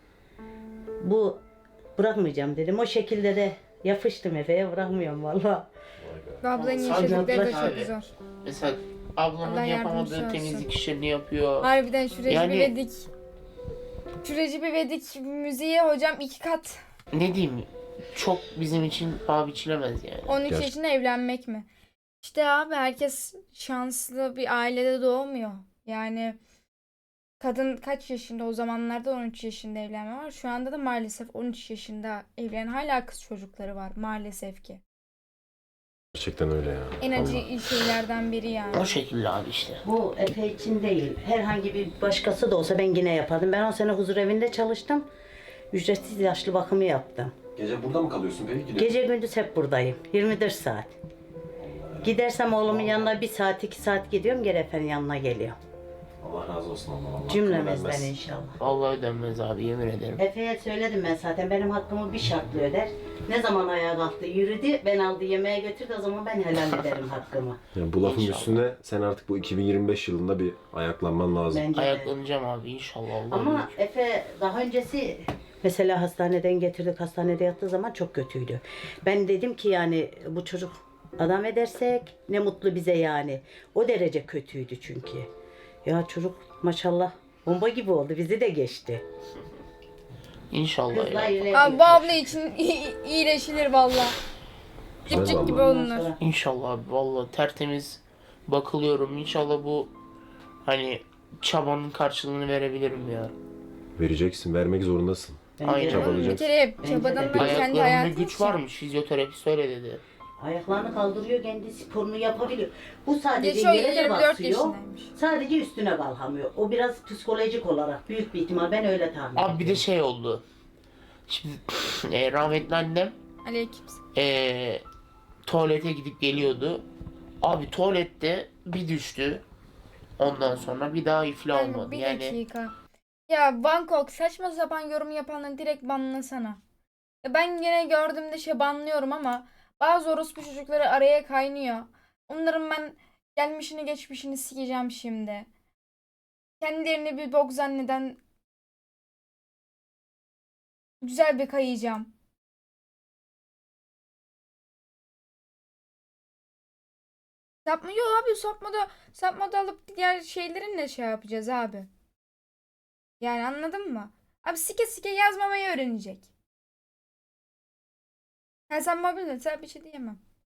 [SPEAKER 3] Bu bırakmayacağım dedim. O şekilde de yapıştım Efe'ye, bırakmıyorum valla.
[SPEAKER 1] Ablanın
[SPEAKER 4] Sadece
[SPEAKER 1] yaşadıkları da
[SPEAKER 4] abi.
[SPEAKER 1] çok zor.
[SPEAKER 4] Mesela ablamın
[SPEAKER 1] Allah yardımcısı
[SPEAKER 4] yapamadığı
[SPEAKER 1] olsun.
[SPEAKER 4] temizlik işlerini yapıyor.
[SPEAKER 1] Harbiden şu Recep
[SPEAKER 4] Yani-
[SPEAKER 1] İvedik. Şu Recep İvedik müziğe hocam 2 kat.
[SPEAKER 4] Ne diyeyim? Çok bizim için paha biçilemez yani.
[SPEAKER 1] 13
[SPEAKER 2] Gerçi-
[SPEAKER 1] yaşında evlenmek mi? İşte abi herkes şanslı bir ailede doğmuyor. Yani kadın kaç yaşında o zamanlarda 13 yaşında evlenme var. Şu anda da maalesef 13 yaşında evlenen hala kız çocukları var maalesef ki.
[SPEAKER 2] Gerçekten öyle ya.
[SPEAKER 1] En acı
[SPEAKER 2] Vallahi.
[SPEAKER 1] şeylerden biri yani.
[SPEAKER 4] O şekilde abi işte.
[SPEAKER 3] Bu Efe için değil. Herhangi bir başkası da olsa ben yine yapardım. Ben 10 sene huzur evinde çalıştım. Ücretsiz yaşlı bakımı yaptım.
[SPEAKER 2] Gece burada mı kalıyorsun peki? Gidiyor.
[SPEAKER 3] Gece gündüz hep buradayım. 24 saat. Gidersem oğlumun yanına 1 saat 2 saat gidiyorum. Geri efendim yanına geliyorum.
[SPEAKER 2] Allah razı olsun Allah. Allah
[SPEAKER 3] Cümlemizden inşallah.
[SPEAKER 4] Vallahi ödenmez abi yemin ederim.
[SPEAKER 3] Efe'ye söyledim ben zaten. Benim hakkımı bir şartla öder. Ne zaman ayağa kalktı yürüdü. Ben aldı yemeğe götürdü. O zaman ben helal ederim hakkımı.
[SPEAKER 2] Yani bu lafın
[SPEAKER 4] İnşallah.
[SPEAKER 2] üstüne sen artık bu 2025 yılında bir ayaklanman lazım.
[SPEAKER 3] Bence de.
[SPEAKER 4] Ayaklanacağım abi inşallah Allah
[SPEAKER 3] Ama
[SPEAKER 4] büyük.
[SPEAKER 3] Efe daha öncesi mesela hastaneden getirdik. Hastanede yattığı zaman çok kötüydü. Ben dedim ki yani bu çocuk adam edersek ne mutlu bize yani. O derece kötüydü çünkü. Ya çocuk maşallah bomba gibi oldu. Bizi de geçti.
[SPEAKER 4] İnşallah
[SPEAKER 3] Kızlar
[SPEAKER 4] ya.
[SPEAKER 3] ilerliyor.
[SPEAKER 1] Abi bu abla için iyileşilir valla.
[SPEAKER 2] Güzel
[SPEAKER 1] Dipçik gibi
[SPEAKER 2] vallahi.
[SPEAKER 3] Ondan
[SPEAKER 1] olunur.
[SPEAKER 3] sonra
[SPEAKER 4] İnşallah abi vallahi tertemiz bakılıyorum. İnşallah bu hani çabanın karşılığını verebilirim ya.
[SPEAKER 2] Vereceksin, vermek zorundasın.
[SPEAKER 4] Aynen.
[SPEAKER 2] Çabalayacak.
[SPEAKER 1] Bir kere
[SPEAKER 3] Bence
[SPEAKER 1] çabadan
[SPEAKER 3] de.
[SPEAKER 1] da kendi
[SPEAKER 4] Ayaklarında
[SPEAKER 1] hayatın
[SPEAKER 4] güç
[SPEAKER 1] için.
[SPEAKER 4] varmış. Fizyoterapist öyle dedi.
[SPEAKER 3] Ayaklarını kaldırıyor, kendi sporunu yapabiliyor. Bu sadece
[SPEAKER 1] Geçiyor
[SPEAKER 3] yere de
[SPEAKER 1] 24
[SPEAKER 3] basıyor.
[SPEAKER 1] yaşındaymış.
[SPEAKER 3] Sadece üstüne kalkamıyor. O biraz psikolojik olarak büyük bir ihtimal, ben öyle tahmin ediyorum.
[SPEAKER 4] Abi bir de şey oldu. Şimdi rahmetli annem
[SPEAKER 1] Aleykümselam.
[SPEAKER 4] tuvalete gidip geliyordu. Abi tuvalette bir düştü. Ondan sonra bir daha iflah
[SPEAKER 1] Yani
[SPEAKER 4] olmadı.
[SPEAKER 1] bir
[SPEAKER 4] Yani
[SPEAKER 1] dakika. Ya Bangkok saçma sapan yorum yapanları direkt banlasana. Ya ben gene gördüğümde banlıyorum ama bazı orospu çocukları araya kaynıyor. Onların ben gelmişini geçmişini sikeceğim şimdi. Kendilerini bir bok zanneden güzel bir kayacağım. Sapma yok abi, sapma da alıp diğer şeylerin şey yapacağız abi. Yani anladın mı? Abi sike sike yazmamayı öğrenecek. Ha sen mobilde sen bir şey diyemem.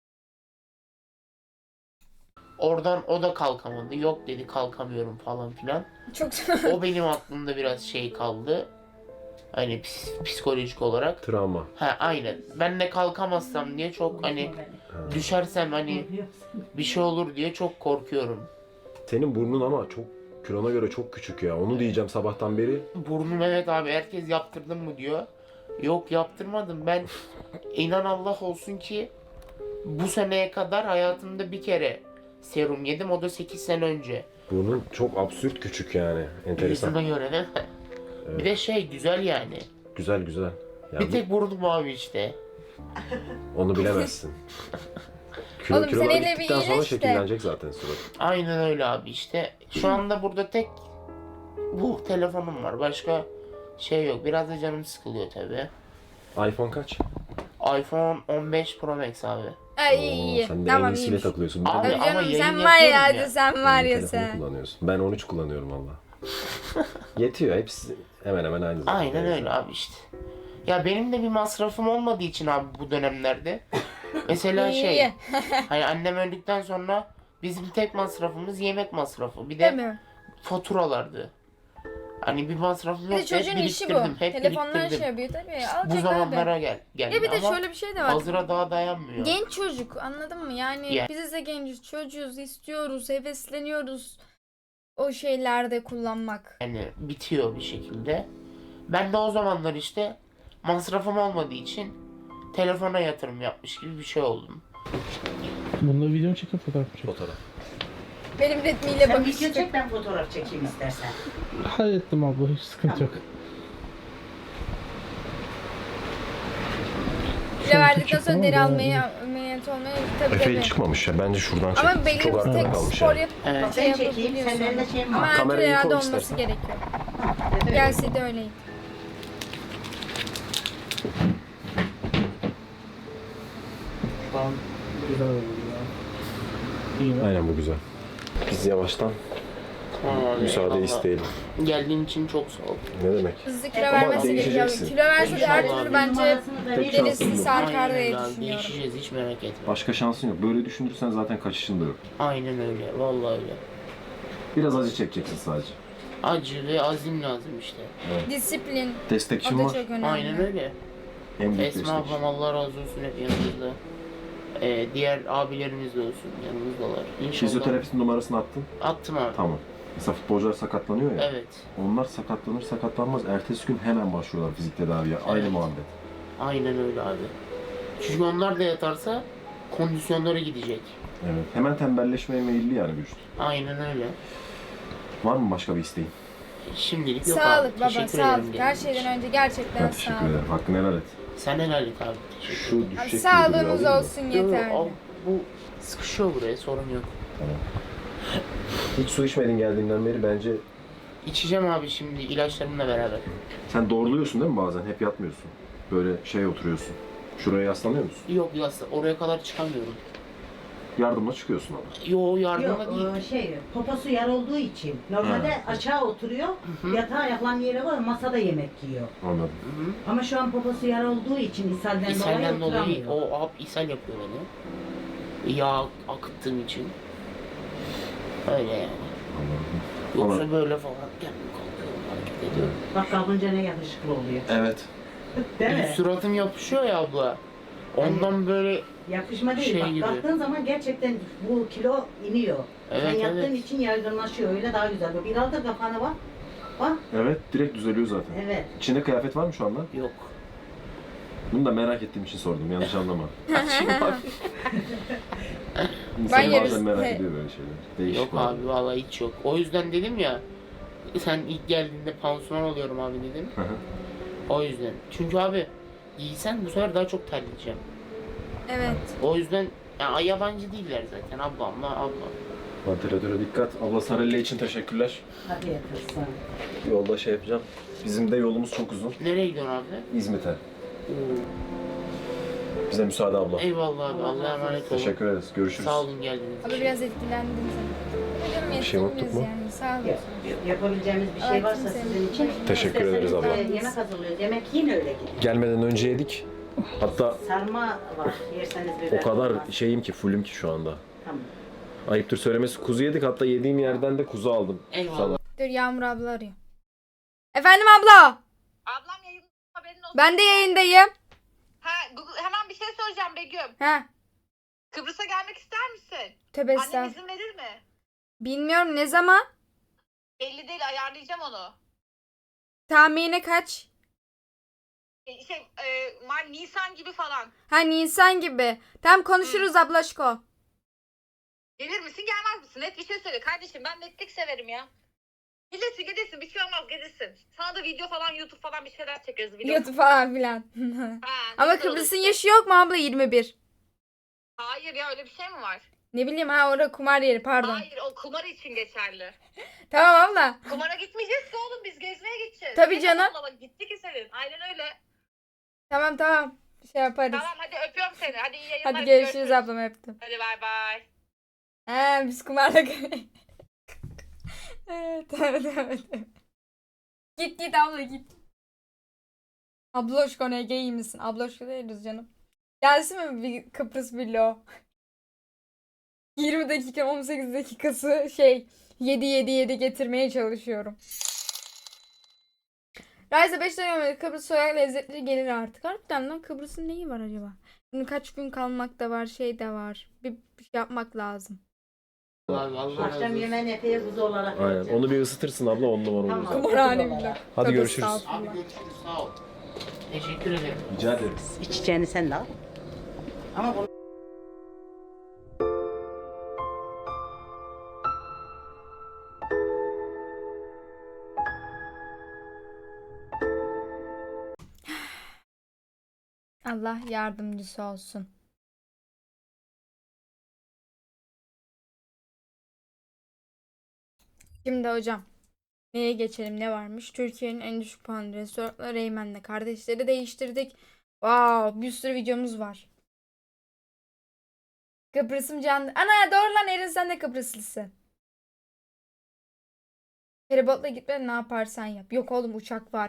[SPEAKER 4] oradan o da kalkamadı. Yok dedi kalkamıyorum falan filan.
[SPEAKER 1] Çok
[SPEAKER 4] O benim aklımda biraz şey kaldı. Hani psikolojik olarak.
[SPEAKER 2] Travma.
[SPEAKER 4] Ha aynen. Ben de kalkamazsam diye çok hani düşersem hani bir şey olur diye çok korkuyorum.
[SPEAKER 2] Senin burnun ama çok kilona göre çok küçük ya. Onu diyeceğim sabahtan beri.
[SPEAKER 4] Burnum evet abi herkes yaptırdın mı diyor. Yok yaptırmadım ben. İnan Allah olsun ki bu seneye kadar hayatımda bir kere serum yedim. O da 8 sene önce.
[SPEAKER 2] Burnun çok absürt küçük yani. Enteresan.
[SPEAKER 4] Yüzüme göre değil mi? Bir de şey güzel yani.
[SPEAKER 2] Güzel güzel. Yani
[SPEAKER 4] Bir tek burnum abi işte.
[SPEAKER 2] onu bilemezsin.
[SPEAKER 1] Oğlum
[SPEAKER 2] Kilolar
[SPEAKER 1] sen hele bir
[SPEAKER 2] gittikten sonra
[SPEAKER 1] iyileş de.
[SPEAKER 2] şekillenecek zaten surat.
[SPEAKER 4] Aynen öyle abi işte. Şu anda burada tek bu telefonum var. Başka şey yok. Biraz da canım sıkılıyor tabi.
[SPEAKER 2] iPhone kaç?
[SPEAKER 4] iPhone 15 Pro Max abi.
[SPEAKER 1] Ay iyi.
[SPEAKER 2] Sen de en
[SPEAKER 1] Tamam
[SPEAKER 2] iyisiyle
[SPEAKER 1] iyiymiş.
[SPEAKER 2] takılıyorsun.
[SPEAKER 4] Abi,
[SPEAKER 1] Tabii
[SPEAKER 4] ama
[SPEAKER 1] canım
[SPEAKER 4] yayın
[SPEAKER 1] sen var ya,
[SPEAKER 4] yapıyorum
[SPEAKER 1] hadi
[SPEAKER 4] ya.
[SPEAKER 1] sen var ya
[SPEAKER 2] Telefonu
[SPEAKER 1] sen.
[SPEAKER 2] kullanıyorsun. Ben 13 kullanıyorum valla. Yetiyor. Hepsi hemen hemen aynı zaten.
[SPEAKER 4] Aynen öyle abi işte. Ya benim de bir masrafım olmadığı için abi bu dönemlerde. Mesela şey.
[SPEAKER 1] İyi.
[SPEAKER 4] Hani annem öldükten sonra bizim tek masrafımız yemek masrafı. Bir
[SPEAKER 1] Değil
[SPEAKER 4] de
[SPEAKER 1] mi?
[SPEAKER 4] faturalardı. Hani bir masrafım
[SPEAKER 1] Bir de
[SPEAKER 4] yok. Hep
[SPEAKER 1] çocuğun işi bu.
[SPEAKER 4] biriktirdim. Hep
[SPEAKER 1] Telefonlar
[SPEAKER 4] biriktirdim.
[SPEAKER 1] şey yapıyor tabii.
[SPEAKER 4] Bu
[SPEAKER 1] Alacak abi.
[SPEAKER 4] zamanlara geldi.
[SPEAKER 1] Ya bir de
[SPEAKER 4] ama
[SPEAKER 1] şöyle bir şey de var.
[SPEAKER 4] hazıra daha dayanmıyor.
[SPEAKER 1] Genç çocuk anladın mı? Yani
[SPEAKER 4] Yani.
[SPEAKER 1] biziz de genciz, çocuğuz, istiyoruz, hevesleniyoruz o şeylerde kullanmak.
[SPEAKER 4] Yani bitiyor bir şekilde. Ben de o zamanlar işte masrafım olmadığı için telefona yatırım yapmış gibi bir şey oldum.
[SPEAKER 5] Bunda video mu çekip fotoğraf mı çekip?
[SPEAKER 2] Fotoğraf.
[SPEAKER 1] Benim ritmiyle
[SPEAKER 3] Sen
[SPEAKER 1] bakıştık.
[SPEAKER 3] video çek, ben fotoğraf çekeyim istersen.
[SPEAKER 5] Hallettim abla, hiç sıkıntı yok.
[SPEAKER 1] Kilo verdikten
[SPEAKER 5] küçük
[SPEAKER 1] sonra
[SPEAKER 5] ama
[SPEAKER 1] deri
[SPEAKER 5] yani
[SPEAKER 1] almaya, ameliyat olmaya tabii
[SPEAKER 2] Efe
[SPEAKER 1] tabii.
[SPEAKER 2] çıkmamış ya. Bence şuradan çek.
[SPEAKER 1] Ama belli
[SPEAKER 2] Çok
[SPEAKER 1] bir
[SPEAKER 2] arkada
[SPEAKER 1] tek
[SPEAKER 2] kalmış
[SPEAKER 1] spor
[SPEAKER 2] yani.
[SPEAKER 1] yap
[SPEAKER 4] Evet.
[SPEAKER 1] şey
[SPEAKER 3] Ben çekeyim,
[SPEAKER 1] yapabiliyorsun.
[SPEAKER 3] senin elinde şeyim
[SPEAKER 1] Ama
[SPEAKER 3] var.
[SPEAKER 1] her türlü
[SPEAKER 2] Kamerayı
[SPEAKER 1] herhalde
[SPEAKER 2] koy
[SPEAKER 1] olması
[SPEAKER 2] istersen.
[SPEAKER 1] gerekiyor.
[SPEAKER 3] Evet.
[SPEAKER 1] Gelse de öyleydi.
[SPEAKER 5] Güzel oldu ya. İyi mi?
[SPEAKER 2] Aynen bu güzel. Biz yavaştan
[SPEAKER 4] Tamam abi,
[SPEAKER 2] müsaade
[SPEAKER 4] eyvallah.
[SPEAKER 2] isteyelim.
[SPEAKER 4] Geldiğin için çok sağ ol.
[SPEAKER 2] Ne demek?
[SPEAKER 1] Hızlı kilo
[SPEAKER 3] Ama
[SPEAKER 1] vermesi gerekiyor.
[SPEAKER 2] değişeceksin.
[SPEAKER 1] Kilo verse de her
[SPEAKER 4] İnşallah
[SPEAKER 1] türlü
[SPEAKER 4] abi.
[SPEAKER 1] bence
[SPEAKER 3] Numarasını da
[SPEAKER 2] Tek
[SPEAKER 3] vereyim.
[SPEAKER 1] derisi
[SPEAKER 2] şansın bu.
[SPEAKER 1] sarkar
[SPEAKER 4] Aynen
[SPEAKER 1] diye
[SPEAKER 4] öyle abi,
[SPEAKER 1] düşünüyorum.
[SPEAKER 4] değişeceğiz hiç merak etme.
[SPEAKER 2] Başka şansın yok. Böyle düşünürsen zaten kaçışın da yok.
[SPEAKER 4] Aynen öyle vallahi öyle.
[SPEAKER 2] Biraz acı çekeceksin sadece.
[SPEAKER 4] Acı ve azim lazım işte.
[SPEAKER 1] Disiplin. O
[SPEAKER 2] Destekçim
[SPEAKER 1] da
[SPEAKER 2] var.
[SPEAKER 1] çok önemli.
[SPEAKER 4] Aynen öyle.
[SPEAKER 2] En büyük
[SPEAKER 4] Esma
[SPEAKER 2] destekçi.
[SPEAKER 4] ablam Allah razı olsun hep yanımızda. Diğer abilerimiz de olsun yanımızdalar. İnşallah.
[SPEAKER 2] Fizyoterapistin numarasını attın.
[SPEAKER 4] Attım abi.
[SPEAKER 2] Tamam. Mesela futbolcular sakatlanıyor ya.
[SPEAKER 4] Evet.
[SPEAKER 2] Onlar sakatlanır sakatlanmaz. Ertesi gün hemen başlıyorlar fizik tedaviye. Aynı
[SPEAKER 4] Evet.
[SPEAKER 2] muhabbet.
[SPEAKER 4] Aynen öyle abi. Çünkü onlar da yatarsa kondisyonları gidecek.
[SPEAKER 2] Evet. Hemen tembelleşmeye meyilli yani vücut.
[SPEAKER 4] Aynen öyle.
[SPEAKER 2] Var mı başka bir isteğin?
[SPEAKER 4] Şimdilik yok
[SPEAKER 1] Sağlık
[SPEAKER 4] abi.
[SPEAKER 1] baba,
[SPEAKER 4] Teşekkür
[SPEAKER 1] sağlık.
[SPEAKER 4] ederim
[SPEAKER 1] Her
[SPEAKER 4] geldiğin için.
[SPEAKER 1] şeyden önce gerçekten
[SPEAKER 2] Ben teşekkür
[SPEAKER 1] sağlık.
[SPEAKER 2] ederim. Hakkını helal et.
[SPEAKER 4] Sen helal et abi. Teşekkür
[SPEAKER 2] Şu
[SPEAKER 1] Abi,
[SPEAKER 2] düşecek gibi
[SPEAKER 1] sağlığımız
[SPEAKER 2] duruyor,
[SPEAKER 1] olsun
[SPEAKER 4] ederim.
[SPEAKER 1] yeterli.
[SPEAKER 4] Al, bu sıkışıyor buraya sorun yok.
[SPEAKER 2] Hiç su içmedin geldiğinden beri bence.
[SPEAKER 4] İçeceğim abi şimdi ilaçlarımla beraber.
[SPEAKER 2] Sen doğruluyorsun değil mi bazen? Hep yatmıyorsun. Böyle şey oturuyorsun. Şuraya yaslanıyor musun?
[SPEAKER 4] Yok ya oraya kadar çıkamıyorum.
[SPEAKER 2] Yardımla çıkıyorsun ama.
[SPEAKER 4] Yo yardımla
[SPEAKER 3] Yok,
[SPEAKER 4] değil.
[SPEAKER 3] poposu yar olduğu için. Normalde aşağı oturuyor, yatağa ayaklarının yere var, masada yemek yiyor.
[SPEAKER 2] Anladım.
[SPEAKER 4] Hı-hı.
[SPEAKER 3] Ama şu an poposu yar olduğu için ishalden dolayı
[SPEAKER 4] İshalden dolayı
[SPEAKER 3] oturamıyor.
[SPEAKER 4] o ishal yapıyor beni. Yağ akıttığım için. Öyle yani.
[SPEAKER 2] Anladım.
[SPEAKER 4] Yoksa
[SPEAKER 2] Ama
[SPEAKER 4] böyle falan kendim kalkıyorum hareket dedi.
[SPEAKER 3] Bak kalkınca ne yakışıklı oluyor.
[SPEAKER 2] Evet.
[SPEAKER 3] Değil mi?
[SPEAKER 4] Suratım yapışıyor ya abla. Ondan böyle
[SPEAKER 3] Yapışma değil.
[SPEAKER 4] Şey
[SPEAKER 3] Bak
[SPEAKER 4] gibi.
[SPEAKER 3] kalktığın zaman gerçekten bu kilo iniyor. Sen
[SPEAKER 4] Evet,
[SPEAKER 3] yattığın
[SPEAKER 4] evet.
[SPEAKER 3] için yaygınlaşıyor. Öyle daha güzel. Bak, bir aldır kafanı bak. Bak.
[SPEAKER 2] Evet, direkt düzeliyor zaten.
[SPEAKER 3] Evet.
[SPEAKER 2] İçinde kıyafet var mı şu anda?
[SPEAKER 4] yok.
[SPEAKER 2] Bunu da merak ettiğim için sordum, yanlış anlama.
[SPEAKER 1] Ben
[SPEAKER 2] İnsan
[SPEAKER 1] yarısı-
[SPEAKER 2] bazen merak ediyor böyle şeyler. Değişik
[SPEAKER 4] Yok
[SPEAKER 2] var.
[SPEAKER 4] abi vallahi hiç yok. O yüzden dedim ya sen ilk geldiğinde pansuman oluyorum abi dedim.
[SPEAKER 2] Hı hı.
[SPEAKER 4] O yüzden. Çünkü abi giysen bu sefer daha çok terleyeceğim.
[SPEAKER 1] Evet.
[SPEAKER 4] O yüzden ya, yabancı değiller zaten abla.
[SPEAKER 2] Ventilatöre dikkat. Abla Sarelle için teşekkürler.
[SPEAKER 3] Hadi yatırsın.
[SPEAKER 2] Yolda şey yapacağım. Bizim de yolumuz çok uzun.
[SPEAKER 4] Nereye gidiyorsun abi?
[SPEAKER 2] İzmit'e. Bize müsaade abla.
[SPEAKER 4] Eyvallah abi. Allah'a emanet olun.
[SPEAKER 2] Teşekkür ederiz. Görüşürüz.
[SPEAKER 4] Sağ olun geldiğiniz
[SPEAKER 1] Abi
[SPEAKER 4] için.
[SPEAKER 1] biraz etkilendim sen. Hocam
[SPEAKER 2] Bir şey unuttuk
[SPEAKER 1] yetkimiz
[SPEAKER 2] mu?
[SPEAKER 1] yani. Sağ
[SPEAKER 3] Yok,
[SPEAKER 1] olasın.
[SPEAKER 3] Yapabileceğimiz bir şey
[SPEAKER 1] Evet,
[SPEAKER 3] varsa
[SPEAKER 1] kimse-
[SPEAKER 3] sizin için.
[SPEAKER 2] Teşekkür ederiz
[SPEAKER 3] İsterseniz,
[SPEAKER 2] abla.
[SPEAKER 3] Yemek hazırlıyoruz. Yemek yine öyle gidiyor.
[SPEAKER 2] Gelmeden önce yedik. Hatta
[SPEAKER 3] Sarma var. Yerseniz biber.
[SPEAKER 2] o kadar
[SPEAKER 3] olmaz.
[SPEAKER 2] şeyim ki, fullüm ki şu anda.
[SPEAKER 3] Tamam.
[SPEAKER 2] Ayıptır söylemesi, kuzu yedik. Hatta yediğim yerden de kuzu aldım.
[SPEAKER 4] Eyvallah.
[SPEAKER 2] Sana.
[SPEAKER 1] Dur Yağmur abla arıyor. Efendim abla.
[SPEAKER 6] Ablam yayında haberin olsun.
[SPEAKER 1] Ben de yayındayım.
[SPEAKER 6] Hemen bir şey soracağım Begüm.
[SPEAKER 1] Ha.
[SPEAKER 6] Kıbrıs'a gelmek ister misin?
[SPEAKER 1] Tövbe
[SPEAKER 6] Annen
[SPEAKER 1] estağfurullah.
[SPEAKER 6] izin verir mi?
[SPEAKER 1] Bilmiyorum ne zaman?
[SPEAKER 6] Belli değil, ayarlayacağım onu.
[SPEAKER 1] Tahmini kaç?
[SPEAKER 6] Nisan gibi falan.
[SPEAKER 1] Ha Nisan gibi. Tamam konuşuruz ablaşko.
[SPEAKER 6] Gelir misin gelmez misin? Net bir şey söyle kardeşim, ben netlik severim ya. Gelirsin bir şey olmaz, gelirsin. Sana da video falan, YouTube falan bir şeyler çekeriz. Video.
[SPEAKER 1] YouTube falan filan. Ama
[SPEAKER 6] güzel olur
[SPEAKER 1] Kıbrıs'ın
[SPEAKER 6] işte.
[SPEAKER 1] yaşı yok mu abla 21?
[SPEAKER 6] Hayır ya, öyle bir şey mi var?
[SPEAKER 1] Ne bileyim ha orada kumar yeri pardon.
[SPEAKER 6] Hayır, o kumar için geçerli.
[SPEAKER 1] Tamam abla.
[SPEAKER 6] Kumara gitmeyeceğiz ki oğlum, biz gezmeye gideceğiz.
[SPEAKER 1] Tabii
[SPEAKER 6] Ne
[SPEAKER 1] canım.
[SPEAKER 6] saçmalama, gitti ki senin. Aynen öyle.
[SPEAKER 1] Tamam. Bir şey yaparız.
[SPEAKER 6] Tamam hadi öpüyorum seni. Hadi iyi yayınlar.
[SPEAKER 1] Hadi görüşürüz ablam öptüm.
[SPEAKER 6] Hadi bay bay.
[SPEAKER 1] He biz kumarla evet. Git abla git. Abloşko ne iyi misin? Abloşko değiliz canım. Gelsin mi bir Kıbrıs vlog? 20 dakika 18 dakikası 7 getirmeye çalışıyorum. Rise 5 dönemi Kıbrıs soyak lezzetleri gelir artık. Harbiden lan Kıbrıs'ın neyi var acaba? Şimdi kaç gün kalmak da var de var. Bir şey yapmak lazım.
[SPEAKER 4] Abi, Allah razı
[SPEAKER 3] Akşam
[SPEAKER 4] olsun.
[SPEAKER 3] yemeğini epey kuzu olarak
[SPEAKER 2] Aynen.
[SPEAKER 3] vereceğim.
[SPEAKER 2] Onu bir ısıtırsın abla, 10 numara olur.
[SPEAKER 3] Tamam.
[SPEAKER 1] Kumarhane vlog.
[SPEAKER 2] Hadi
[SPEAKER 1] Tövbe
[SPEAKER 2] görüşürüz.
[SPEAKER 1] estağfurullah.
[SPEAKER 4] Abi görüşürüz sağ ol. Teşekkür ederim.
[SPEAKER 2] Rica ederim.
[SPEAKER 3] İçeceğini sen de al. Ama bunu
[SPEAKER 1] Allah yardımcısı olsun. Şimdi hocam neye geçelim, ne varmış? Türkiye'nin en düşük puanlı restoranları Reymen'le kardeşleri değiştirdik. Wow, bir sürü videomuz var. Kıbrıs'ım canlı. Ana doğru lan Erin, sen de Kıbrıslısın. Feribotla gitme, ne yaparsan yap. Yok oğlum uçak var.